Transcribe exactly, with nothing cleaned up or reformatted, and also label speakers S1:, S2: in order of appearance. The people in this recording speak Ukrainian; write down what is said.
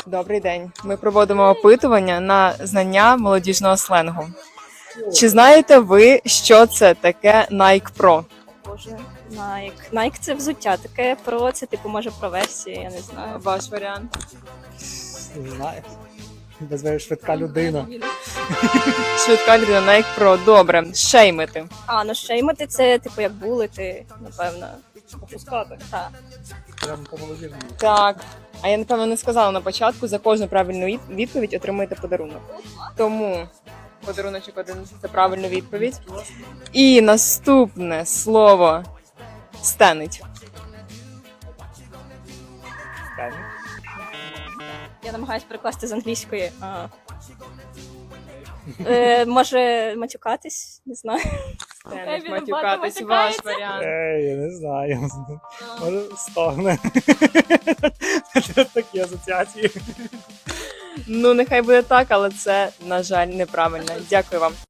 S1: Добрий день. Ми проводимо опитування на знання молодіжного сленгу. Чи знаєте ви, що це таке Nike Pro?
S2: Боже, Nike. Nike – це взуття, таке про це, типу, може про версії, я не знаю.
S1: Ваш варіант?
S3: Не знаю. Називаю швидка людина.
S1: Швидка людина Nike Pro. Добре. Шеймити.
S2: А, ну шеймити це, типу, як булити, напевно.
S3: Опускати.
S2: Так.
S3: Прямо по молодіжному.
S1: Так. А я, напевно, не сказала на початку, за кожну правильну від- відповідь отримуєте подарунок. Тому подаруночок один – це правильна відповідь. І наступне слово – стенить.
S3: Стені.
S2: Я намагаюся перекласти з англійської. А. Е, може матюкатись, не знаю.
S1: Стенить,
S2: він
S1: матюкатись,
S2: багато
S1: ваш
S2: матюкається.
S1: варіант.
S3: Ей, я не знаю. Може, стогне. Такі асоціації.
S1: Ну, нехай буде так, але це, на жаль, неправильно. Дякую вам.